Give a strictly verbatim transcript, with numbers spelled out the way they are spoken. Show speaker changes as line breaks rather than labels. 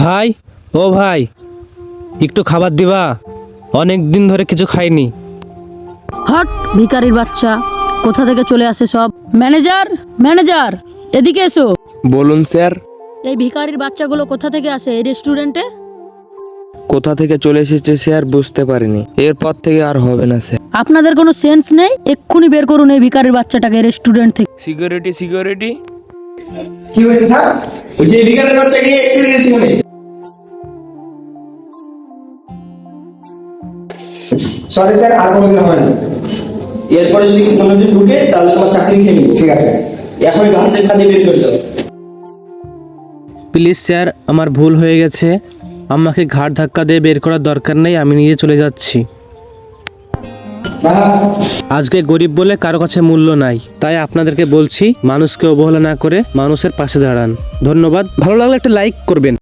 ভাই, ও ভাই, একটু খাবার দিবা? অনেক দিন ধরে কিছু খাইনি।
হট ভিখারির বাচ্চা, কোথা থেকে চলে আসে সব। ম্যানেজার ম্যানেজার এদিকে এসো।
বলুন স্যার।
এই ভিখারির বাচ্চাগুলো কোথা থেকে আসে এই রেস্টুরেন্টে?
কোথা থেকে চলে এসেছে স্যার বুঝতে পারিনি, এরপর থেকে আর হবে না স্যার।
আপনাদের কোনো সেন্স নেই? এক্ষুনি বের করুন এই ভিখারির বাচ্চাটাকে রেস্টুরেন্ট থেকে।
সিকিউরিটি সিকিউরিটি
কি হয়েছে স্যার? ওই যে বিকালের বাচ্চাকে একটু দিয়েছি মানে সরি স্যার, আর কোনোদিন হবে না। এরপরে যদি কোনোদিন ঢুকে তাহলে তোমার চাকরি খেয়ে নিবো। ঠিক আছে, এখনই ঘাট থেকে কাজে বের করে দাও।
প্লিজ স্যার, আমার ভুল হয়ে গেছে। আমাকে ঘাড় ধাক্কা দিয়ে বের করার দরকার নেই, আমি নিজে চলে যাচ্ছি। আজকে গরিব বলে কারো কাছে মূল্য নাই, তাই আপনাদেরকে বলছি মানুষকে অবহেলা না করে মানুষের পাশে দাঁড়ান। ধন্যবাদ। ভালো লাগলে একটা লাইক করবেন।